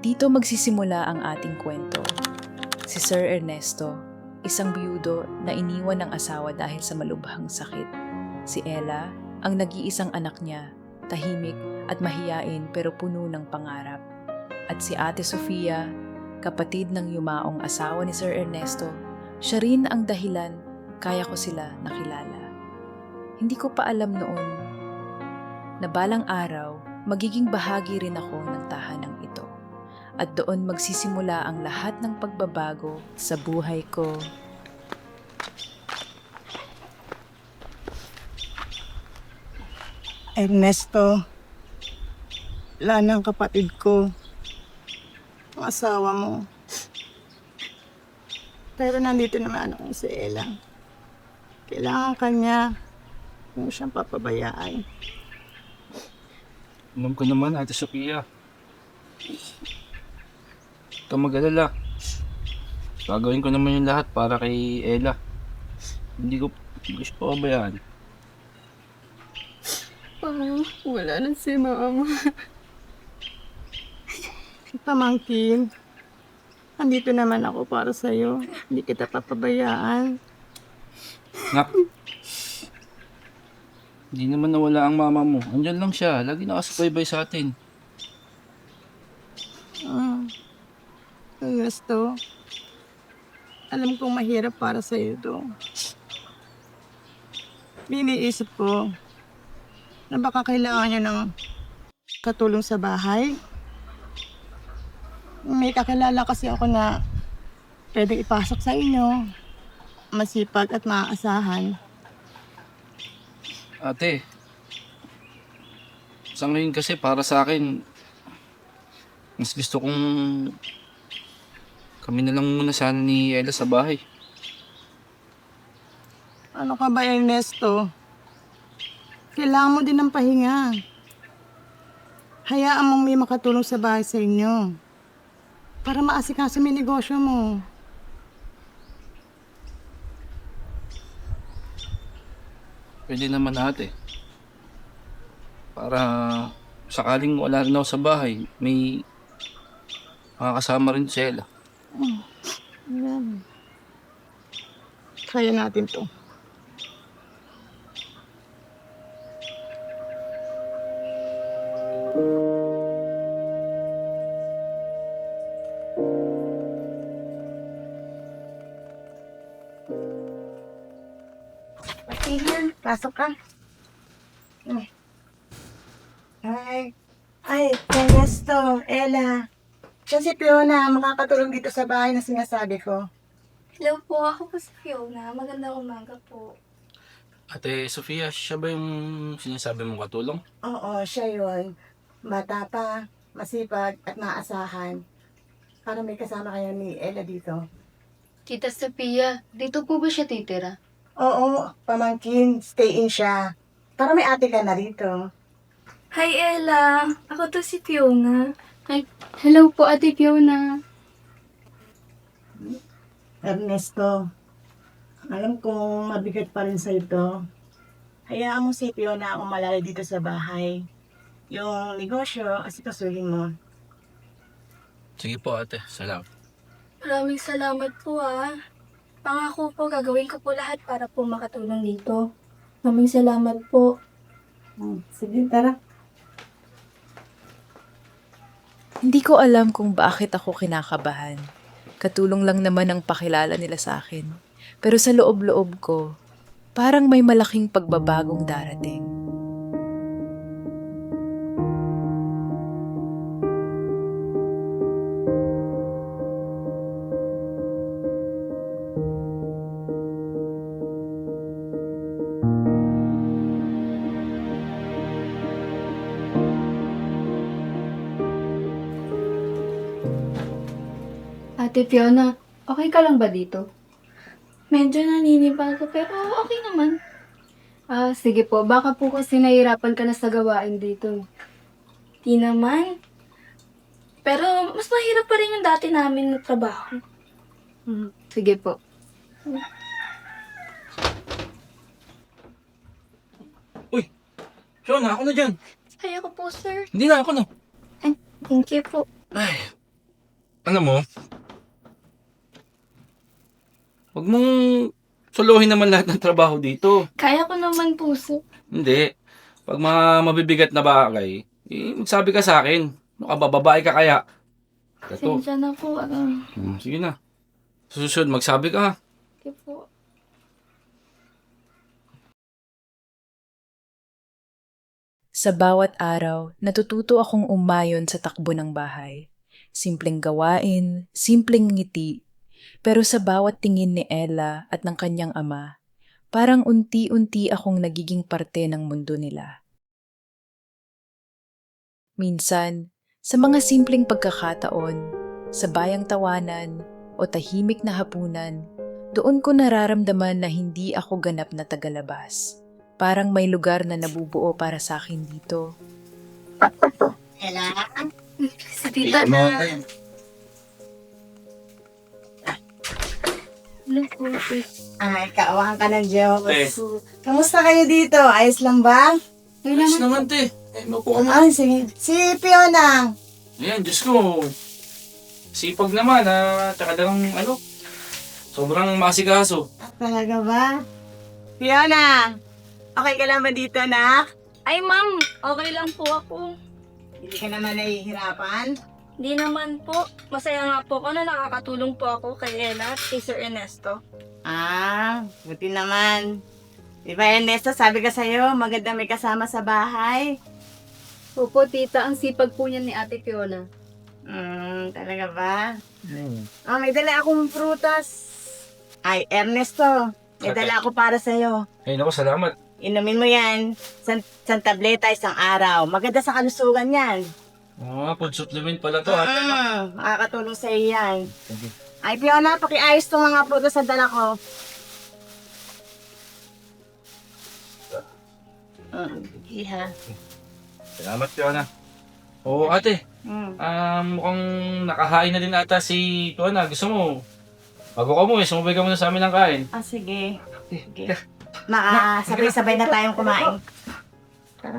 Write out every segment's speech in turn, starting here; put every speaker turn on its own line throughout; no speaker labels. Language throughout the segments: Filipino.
Dito magsisimula ang ating kwento. Si Sir Ernesto, isang biyudo na iniwan ng asawa dahil sa malubhang sakit. Si Ella, ang nag-iisang anak niya, tahimik at mahiyain pero puno ng pangarap. At si Ate Sofia, kapatid ng yumaong asawa ni Sir Ernesto, siya rin ang dahilan kaya ko sila nakilala. Hindi ko pa alam noon na balang araw magiging bahagi rin ako ng tahanang ito. At doon magsisimula ang lahat ng pagbabago sa buhay ko.
Ernesto, wala ng kapatid ko, ang asawa mo. Pero nandito naman ako si Ella. Kailangan kanya, huwag mo siyang papabayaan.
Alam ko naman, Ate Sophia. Huwag kang mag-alala. Gagawin ko naman yung lahat para kay Ella. Hindi ko siya pabayaan.
Parang wala na si mama.
Pamangkin, nandito naman ako para sa'yo. Hindi kita papabayaan.
Nak, hindi naman nawala ang mama mo. Andyan lang siya. Lagi nakasubaybay sa atin.
Ernesto, alam kong mahirap para sa'yo ito. Iniisip ko na baka kailangan niyo ng katulong sa bahay. May kakilala kasi ako na pwedeng ipasok sa inyo. Masipag at maaasahan.
Ate, sa ngayon kasi para sa akin, mas gusto kong kami na lang muna sana ni Ella sa bahay.
Ano ka ba, Ernesto? Kailangan mo din ng pahinga. Hayaan mong may makatulong sa bahay sa inyo. Para maasikaso may negosyo mo.
Pwede naman ate. Para sakaling wala rin ako sa bahay, may makakasama rin si Ella.
Ayan. Kaya natin to. Tingnan, pasok ka. Ay, Ernesto, Ella. Siya si Fiona, makakatulong dito sa bahay na sinasabi ko.
Hello po, ako po si Fiona. Magandang umaga po.
Ate Sofia, siya ba yung sinasabi mong katulong?
Oo, siya yun. Bata pa, masipag at maasahan. Para may kasama kayo ni Ella dito.
Tita Sophia, dito po ba siya titira?
Oo, pamangkin, stay in siya. Para may ate ka na rito.
Hi Ella! Ako to si Fiona. Hi. Hello po Ate Fiona.
Ernesto, alam kong mabigat pa rin sa ito. Hayaan mo si Fiona ang umalala dito sa bahay. Yung negosyo, asikasuhin mo.
Sige po ate, salamat.
Maraming salamat po Pangako po, gagawin ko po lahat para po makatulong dito. Maraming salamat po.
Sige, tara.
Hindi ko alam kung bakit ako kinakabahan. Katulong lang naman ang pakilala nila sa akin. Pero sa loob-loob ko, parang may malaking pagbabagong darating.
Ate Fiona, okay ka lang ba dito? Medyo naninibago pero okay naman. Sige po. Baka po kasi nahihirapan ka na sa gawain dito. Di naman. Pero mas mahirap pa rin yung dati namin na trabaho. Sige po.
Uy! Fiona, ako na dyan!
Ay, ako po, sir.
Hindi na, ako na.
Thank you po.
Ay, Alam mo, wag mong solohin naman lahat ng trabaho dito.
Kaya ko naman po, sir.
Hindi. Pag mga mabibigat na bagay, magsabi ka sa akin. Ano ka ba, babae ka kaya? Ito.
Sensya na po.
Sige na. Sa susunod, magsabi ka ha.
Okay po.
Sa bawat araw, natututo akong umayon sa takbo ng bahay. Simpleng gawain, simpleng ngiti, pero sa bawat tingin ni Ella at ng kanyang ama, parang unti-unti akong nagiging parte ng mundo nila. Minsan, sa mga simpleng pagkakataon, sa bayang tawanan o tahimik na hapunan, doon ko nararamdaman na hindi ako ganap na tagalabas. Parang may lugar na nabubuo para sa akin dito.
Ella,
Si tita na. Hello po,
ay, kaawahan ka ng Diyos.
Eh.
Kamusta kayo dito? Ayos lang ba?
Ayos naman, te. Maupo ka mo.
Ay, sige. Si Fiona.
Ayan, Diyos ko. Sipag naman, tsaka lang, sobrang masikaso.
Talaga ba? Fiona, okay ka lang ba dito, nak?
Ay, ma'am. Okay lang po ako.
Hindi ka naman nahihirapan?
Hindi naman po. Masaya nga po ako na nakakatulong po ako kay Ella at kay Sir Ernesto.
Ah, buti naman. Di ba, Ernesto, sabi ka sa'yo, maganda may kasama sa bahay.
Opo, tita. Ang sipag po niya ni Ate Fiona.
Talaga ba? Ah, may dala akong prutas. Ay, Ernesto, may
Ate.
dala ako para sa'yo.
Ay, naku, salamat.
Inumin mo yan. San tableta isang araw. Maganda sa kalusugan yan.
Food supplement pala to,
Makakatulong sa iyo yan.
Thank you.
Ay, Fiona, pakiayos tong mga prutas sa dala ko. Iha.
Salamat, Fiona. Oo, ate. Mukhang nakahain na din ata si Fiona. Gusto mo, bago ka mo, sumabay ka muna sa amin ng kain.
Ah, sige. Sige. Sabay-sabay na tayong kumain. Tara.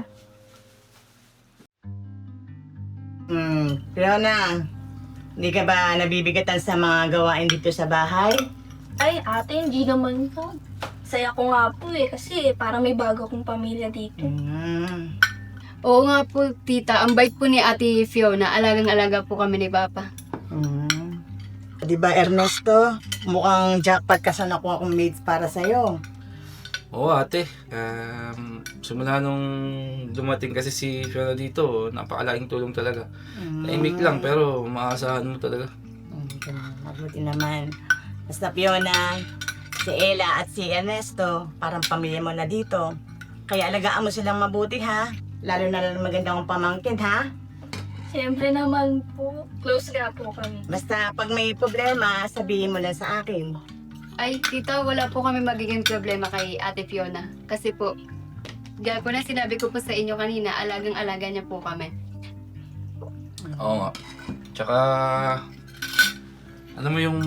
Fiona, hindi ka ba nabibigatan sa mga gawain dito sa bahay?
Ay, ate, hindi naman po. Saya ko nga po kasi parang may bago akong pamilya dito.
Oo nga po, tita. Ang bait po ni Ate Fiona. Alagang-alaga po kami ni Papa.
Di ba, Ernesto? Mukhang jackpot ka sa nakuha kong mates para sa'yo.
Oo, ate. Simula nung dumating kasi si Fiona dito, napakalaking tulong talaga. Tahimik lang, pero maasahan mo talaga.
Mabuti naman. Basta Fiona, si Ella at si Ernesto, parang pamilya mo na dito. Kaya alagaan mo silang mabuti, ha? Lalo na magandang pamangkin, ha?
Siyempre naman po, close nga po kami.
Basta pag may problema, sabihin mo lang sa akin.
Ay, tita, wala po kami magiging problema kay Ate Fiona. Kasi po, gaya po na sinabi ko po sa inyo kanina, alagang-alaga niya po kami.
Oo nga. Tsaka, alam mo yung,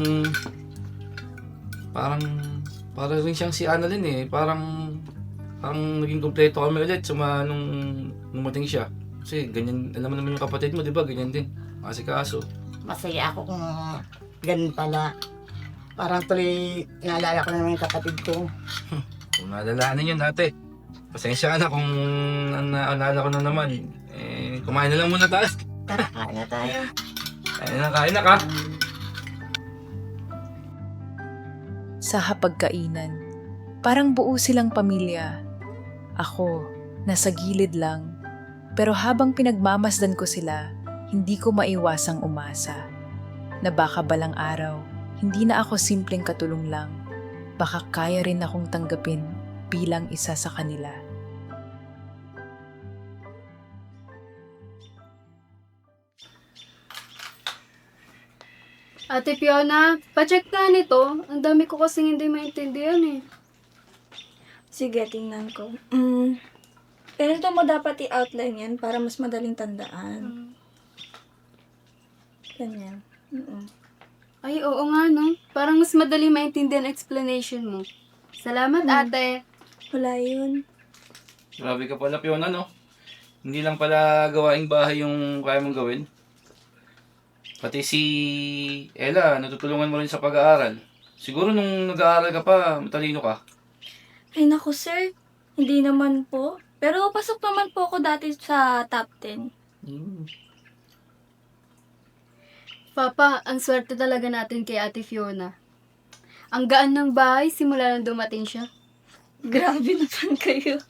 parang rin siyang si Annalyn eh. Parang naging kompleto kami ulit nung numating siya. Kasi ganyan, alam mo naman yung kapatid mo, di ba? Ganyan din. Masikaso.
Masaya ako kung ganun pala. Parang tuloy naalala ko na naman yung kapatid ko.
Kung naalalahanin yun, ate. Pasensya ka na kung naalala ko na naman. Kumain na lang muna tayo.
Tara, kain na tayo.
Kain na ka.
Sa hapagkainan, parang buo silang pamilya. Ako, nasa gilid lang. Pero habang pinagmamasdan ko sila, hindi ko maiwasang umasa. Na baka balang araw, hindi na ako simpleng katulong lang. Baka kaya rin akong tanggapin bilang isa sa kanila.
Ate Fiona, pacheck nga nito. Ang dami ko kasing hindi maintindihan eh.
Sige, tingnan ko. Ganito mo dapat i-outline yan para mas madaling tandaan. Ganyan.
Ay, oo nga no. Parang mas madali maintindihan ang explanation mo. Salamat, ate.
Wala yun.
Grabe ka pala, Fiona, no? Hindi lang pala gawaing bahay yung kaya mong gawin. Pati si Ella, natutulungan mo rin sa pag-aaral. Siguro nung nag-aaral ka pa, matalino ka.
Ay naku sir, hindi naman po. Pero pasok naman po ako dati sa top 10.
Papa, ang swerte talaga natin kay Ate Fiona. Ang gaan ng bahay simula nang dumating siya.
Grabe naman kayo.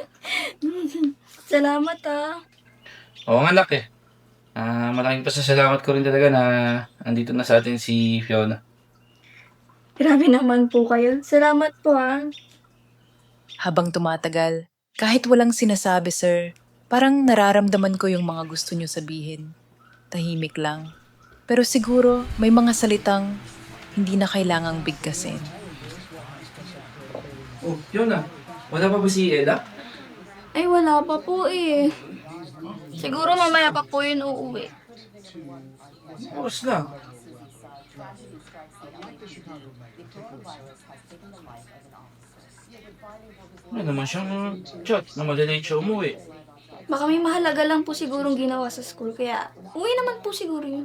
Salamat ah.
Oo nga, anak eh. Malaking pasasalamat ko rin talaga na andito na sa atin si Fiona.
Grabe naman po kayo. Salamat po ah.
Habang tumatagal, kahit walang sinasabi, sir, parang nararamdaman ko yung mga gusto niyo sabihin. Tahimik lang. Pero siguro may mga salitang hindi na kailangang bigkasin.
Oh, Fiona, wala pa ba si Ella?
Ay wala pa po eh. Siguro mamaya pa po yun uuwi.
Oras na. Ano naman siyang chat na malilate siya umuwi.
Baka may mahalaga lang po sigurong ginawa sa school. Kaya uwi naman po siguro yun.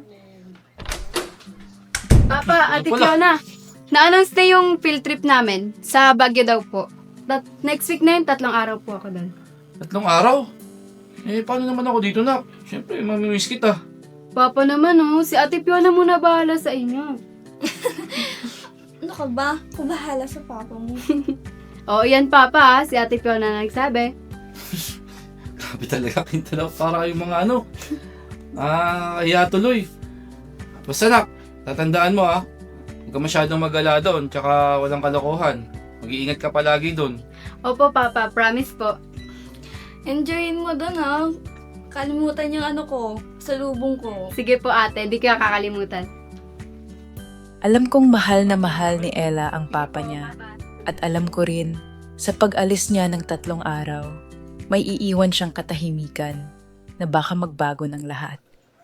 Papa, Ate
Wala.
Fiona, na-announce na yung field trip namin. Sa Baguio daw po. Next week na yun, 3 araw po ako doon.
3 araw? Eh, paano naman ako dito, nak? Siyempre, mamimiss kita.
Papa naman si Ate Fiona muna bahala sa inyo.
Ano ka ba? Kubahala sa papa mo.
Oo, yan Papa, si Ate Fiona na nagsabi.
Grabe talaga, kintala. Para kayong mga ano. Kaya tuloy. Basta, nak, tatandaan mo huwag ka masyadong mag-ala doon, tsaka walang kalokohan. Mag-iingat ka palagi doon.
Opo Papa, promise po.
Enjoyin mo doon ha. Kalimutan yung ano ko, sa lubong ko.
Sige po ate, di kaya kakalimutan.
Alam kong mahal na mahal ni Ella ang papa niya. At alam ko rin, sa pag-alis niya ng 3 araw, may iiwan siyang katahimikan na baka magbago ng lahat.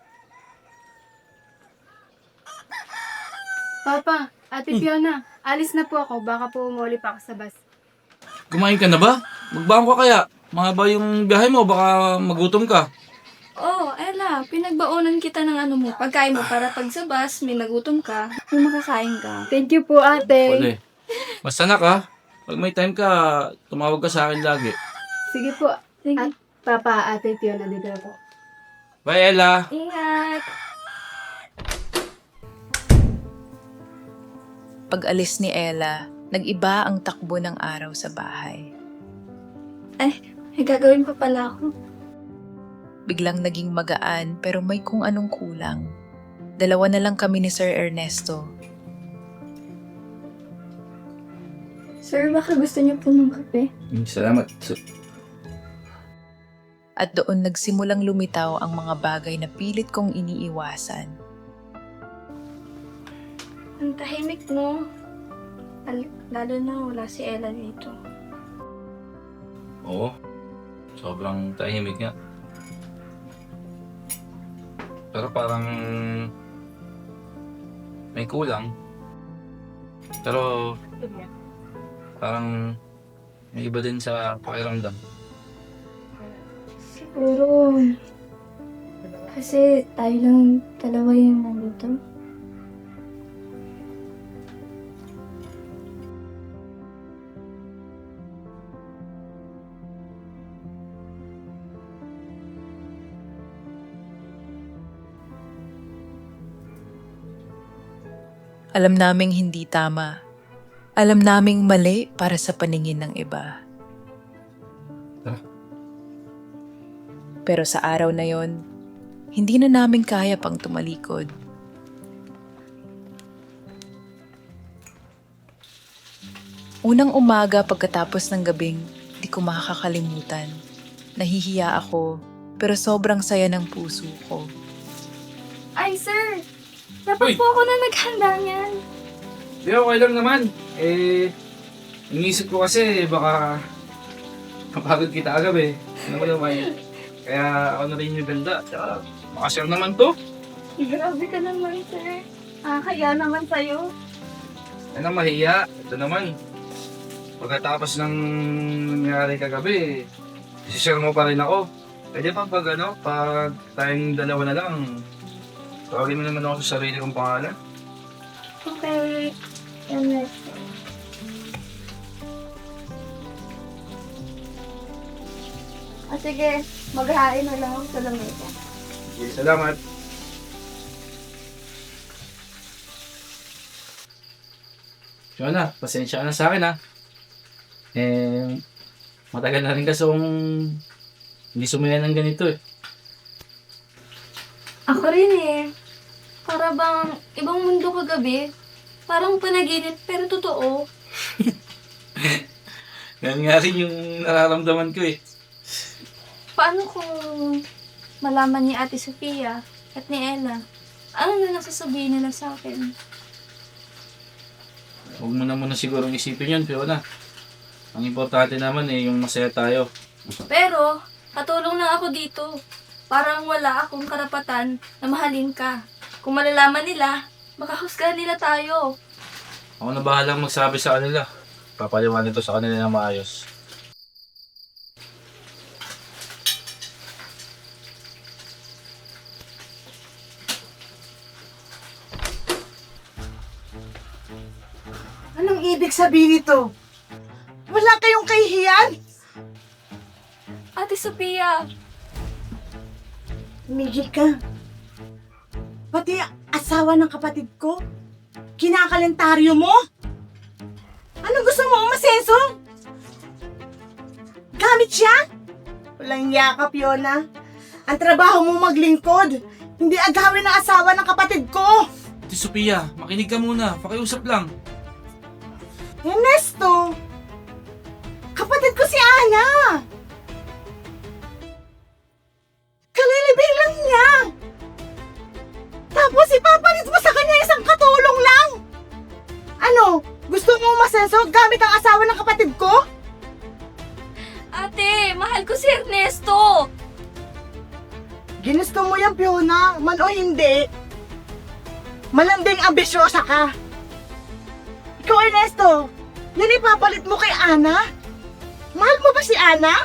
Papa, Ate Fiona, alis na po ako. Baka po umuli pa ako sa bus.
Kumain ka na ba? Magbaon ka kaya? Mahaba yung biyahe mo, baka magutom ka.
Oh, Ella, pinagbaunan kita ng ano mo, pagkain mo para pag sa bus, may nagutom ka, may makakain ka.
Thank you po ate.
Wala. Basta nak pag may time ka, tumawag ka sa akin lagi.
Sige po.
Sige.
Papa, Ate Fiona, dito ako.
Bye, Ella!
Ingat!
Pag-alis ni Ella, nag-iba ang takbo ng araw sa bahay.
May gagawin pa pala ako.
Biglang naging magaan pero may kung anong kulang. 2 na lang kami ni Sir Ernesto.
Sir, baka gusto niyo po ng kape?
Salamat.
At doon nagsimulang lumitaw ang mga bagay na pilit kong iniiwasan.
Ang tahimik mo. Lalo na wala si Ella dito.
Oo. Sobrang tahimik nga. Pero parang may kulang. Pero parang may iba din sa pakiramdam.
Siguro, kasi tayo lang dalawa yung nandito.
Alam naming hindi tama. Alam naming mali para sa paningin ng iba. Pero sa araw na yon, hindi na namin kaya pang tumalikod. Unang umaga pagkatapos ng gabing, di ko makakalimutan. Nahihiya ako, pero sobrang saya ng puso ko.
Ay, sir! Dapat
Uy!
po ako na naghanda niyan.
Di, okay lang naman. Iniisip ko kasi baka kapagod kita agad Ano mo naman? Kaya ako na rin yung ganda. Tsaka makashare naman to.
Grabe ka naman, sir. Kaya naman sa'yo.
Ano mahiya? Ito naman. Pagkatapos ng nangyari kagabi, isishare mo pa rin ako. Pwede pa pag pag tayong 2 na lang, Tawagin mo naman ako sa sarili kong pangalan.
Okay. Ernesto. Sige. Maghain na lang ako sa lamesa.
Okay, salamat. Jonah, pasensya ka na sa akin ha. Matagal na rin kasi kung hindi sumaya ng ganito eh.
Ako rin eh. Para bang ibang mundo kagabi. Parang panaginip pero totoo.
Yan nga rin yung nararamdaman ko eh.
Paano kung malaman ni Ate Sofia at ni Ella? Ano na nasasabihin nila sa akin?
Huwag mo na muna sigurong isipin yun, Fiona. Ang importante naman eh, yung masaya tayo.
Pero, katulong lang ako dito. Parang wala akong karapatan na mahalin ka. Kung malalaman nila, makahusgahan nila tayo.
Ako na bahalang magsabi sa kanila. Papaliwanag ito sa kanila na maayos.
Anong ibig sabihin nito? Wala kayong kahihiyan?
Ate Sophia,
Migil ka. Pati asawa ng kapatid ko? Kinakalentaryo mo? Anong gusto mo, umasenso? Gamit siya? Walang yakap, Fiona. Ang trabaho mo maglingkod, hindi agawin ng asawa ng kapatid ko.
Ate Sophia, makinig ka muna. Pakiusap lang.
Ernesto! Kapatid ko si Ana! Kalilibing lang niya! Tapos ipapalit mo sa kanya isang katulong lang! Ano? Gusto mo umasenso gamit ang asawa ng kapatid ko?
ate, mahal ko si Ernesto.
Ginusto mo yan, Fiona, man o hindi. Malanding ambisyosa ka. Ikaw, Ernesto, yan ipapalit mo kay Ana? Mahal mo ba si Ana?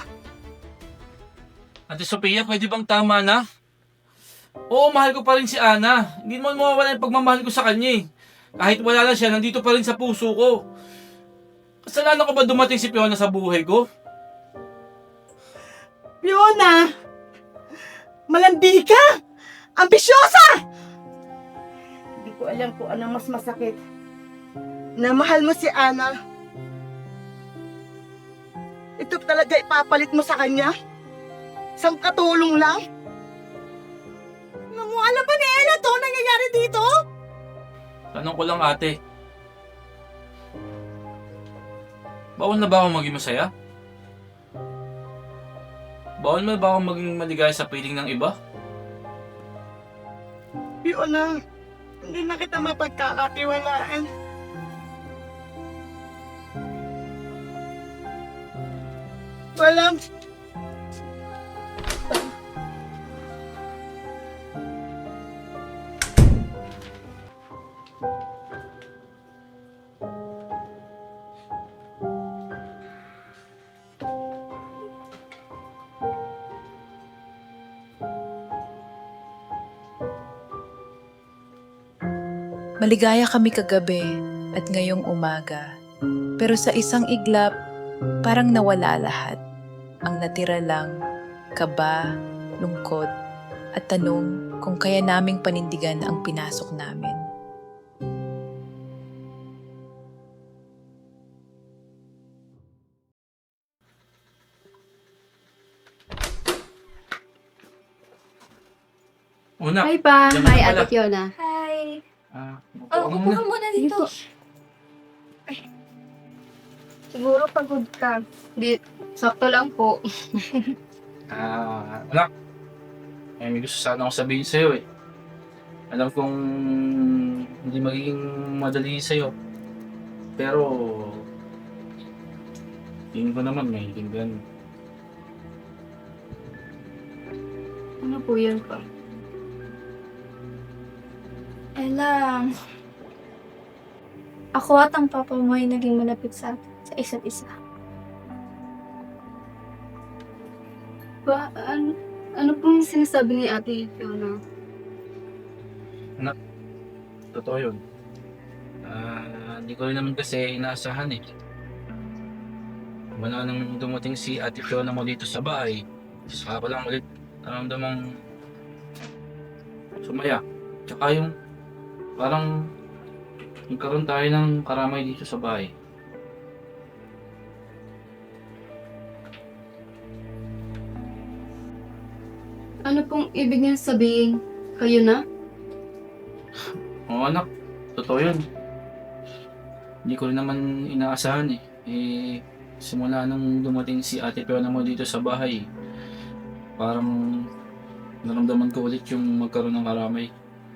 Ate Sophia, pwede bang tama na? Oo, mahal ko pa rin si Ana. Hindi mo mawawala yung pagmamahal ko sa kanya eh. Kahit wala na siya, nandito pa rin sa puso ko. Kasalanan ko ba dumating si Fiona sa buhay ko?
Fiona! Malandi ka! Ambisyosa! Hindi ko alam kung anong mas masakit. Na mahal mo si Ana. Ito talaga ipapalit mo sa kanya? Isang katulong lang? Alam ba ni Ella to nangyayari dito?
Tanong ko lang ate. Bawal na ba akong maging masaya? Bawal na ba akong maging maligaya sa piling ng iba?
Fiona, hindi na kita mapagkakatiwalaan. Walang...
Maligaya kami kagabi at ngayong umaga. Pero sa isang iglap, parang nawala lahat. Ang natira lang, kaba, lungkot, at tanong kung kaya naming panindigan ang pinasok namin.
Una,
Hi pa.
Diyan ka
Hi,
na pala.
Ate Fiona.
Hi.
upo
Oh,
ka
upo
muna.
ka muna
Sige
dito.
po.
Siguro pagod ka.
Di, sakto lang po.
Anak, may gusto sana akong sabihin sa'yo eh. Alam kong hindi magiging madali sa'yo. Pero, tingin ko naman may hinggan.
Ano po yun pa?
Ella, ako at ang papa mo ay naging malapit sa isa't isa.
Ano pong sinasabi ni Ate Fiona?
Totoo yun. Hindi ko rin naman kasi inaasahan eh. Wala nang dumating si Ate Fiona mo dito sa bahay. Saka ko lang ulit naramdamang sumaya. Tsaka yung parang nagkaroon tayo ng karamay dito sa bahay.
Ano pong ibig niyo sabihin? Kayo na?
Oo anak, totoo yun. Hindi ko rin naman inaasahan eh. Simula nung dumating si Ate Fiona mo dito sa bahay, parang naramdaman ko ulit yung magkaroon ng karamay.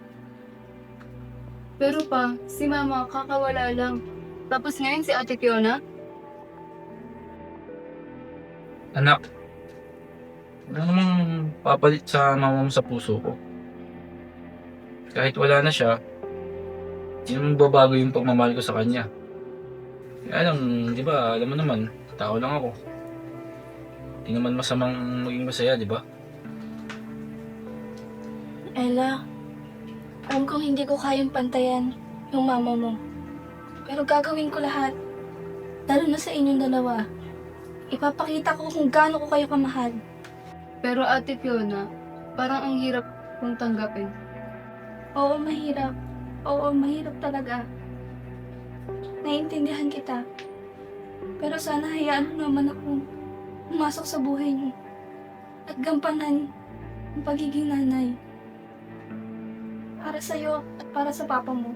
Pero pa, si Mama kakawala lang. Tapos ngayon si Ate Fiona?
Anak, wala namang papalit sa mama mo sa puso ko. Kahit wala na siya, hindi naman babago yung pagmamahal ko sa kanya. Kaya lang, di ba, alam mo naman, tao lang ako. Hindi naman masamang maging masaya, di ba?
Ella, alam kong hindi ko kayang pantayan yung mama mo. Pero gagawin ko lahat. Lalo na sa inyong dalawa. Ipapakita ko kung gaano ko kayo kamahal.
Pero Ate Fiona, parang ang hirap kong tanggapin.
Oo, mahirap. Oo, mahirap talaga. Naiintindihan kita. Pero sana hayaan mo naman akong pumasok sa buhay niyo. At gampanan ang pagiging nanay. Para sa'yo at para sa papa mo.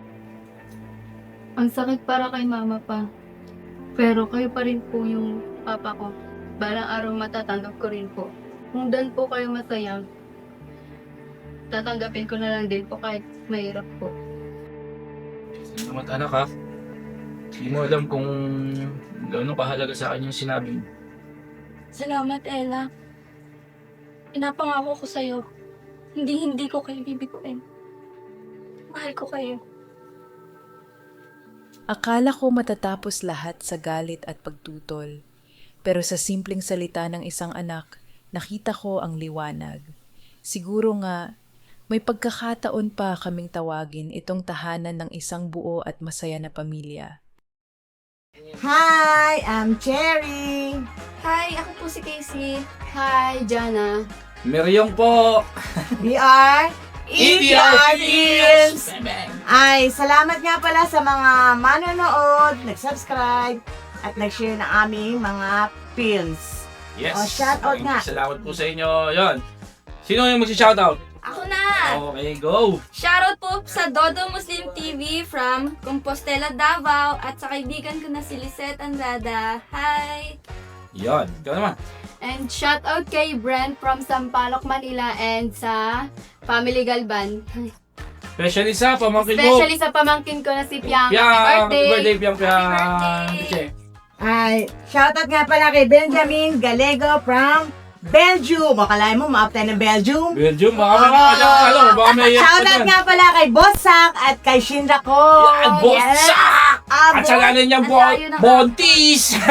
Ang sakit para kay Mama pa. Pero kayo pa rin po yung papa ko. Balang araw matatanggap ko rin po. Kung doon po kayo masaya, tatanggapin ko na lang din po kahit mahirap po.
Salamat anak ha. Hindi mo alam kung gaano kahalaga sa akin yung sinabi mo.
Salamat, Ella. Pinapangako ko sa'yo. Hindi ko kayo bibiguin. Mahal ko kayo.
Akala ko matatapos lahat sa galit at pagtutol. Pero sa simpleng salita ng isang anak, nakita ko ang liwanag. Siguro nga, may pagkakataon pa kaming tawagin itong tahanan ng isang buo at masaya na pamilya.
Hi, I'm Cherry.
Hi, ako po si Casey.
Hi, Jana.
Meryong po!
We are
ETR
Films! Ay, salamat nga pala sa mga manonood, nag-subscribe, at nag-share ng aming mga films.
Yes!
Oh, shoutout nga.
Salamat po sa inyo. Yon. Sino yung magsi-shoutout?
Ako na!
Okay, go!
Shoutout po sa Dodo Muslim TV from Compostela, Davao at sa kaibigan ko na si Lisette Andrada. Hi!
Yon. Ikaw naman.
And shout out kay Brent from Sampaloc, Manila and sa Family Galban.
Especially sa pamangkin mo.
Especially sa pamangkin ko na si Piang.
Piang!
Happy birthday!
Piang!
Happy
Che.
Ay, shoutout nga pala kay Benjamin Galego from Belgium. Akalain mo, maap tayo ng Belgium.
Belgium, baka may
Shoutout nga pala kay Bossak at kay Shinra ko.
Yan, Bossak! At sa lalim niyang Bontis!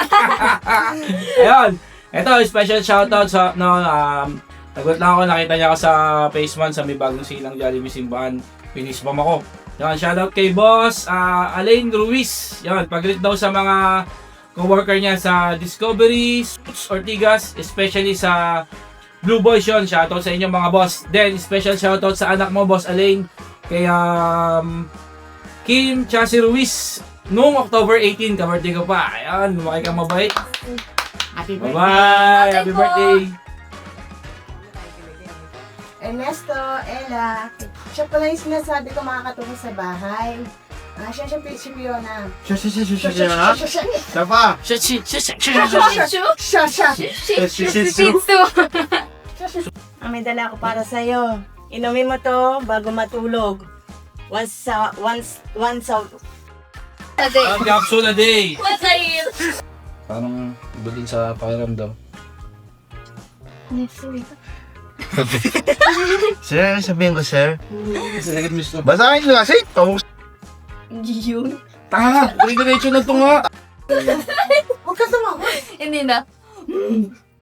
Ayun. Ito, special shoutout sa, nagulat lang ako, nakita niya ako sa Phase 1 sa may bagong silang Jollibee Simbahan. Pinispam ako. Yan, shoutout kay Boss Alain Ruiz. Yan, pag-greet daw sa mga co-worker niya sa Discovery, Ortigas, especially sa Blue Boys yun. Shoutout sa inyo mga boss. Then, special shoutout sa anak mo, Boss Alain, kay Kim Chassi Ruiz. Noong October 18, ka-birthday ko pa. Ayan, lumaki ka mabait.
Happy birthday.
Bye-bye! Happy birthday!
Ernesto, Ella, siya pala yung sinasabi ko makakatulong sa bahay. Siya si Fiona.
Siya. Siya pa.
May dala ko para sa'yo. Inumin mo to bago matulog. Once a
Ang capsule a day!
What's a year?
Parang iba din sa pakiramdam.
Sir, sabihin ko, sir.
Kasi nagit miss
Basahin nyo kasi.
Yun.
Tanga! Diretso na ito nga!
Huwag ka tumawa.
Hindi na.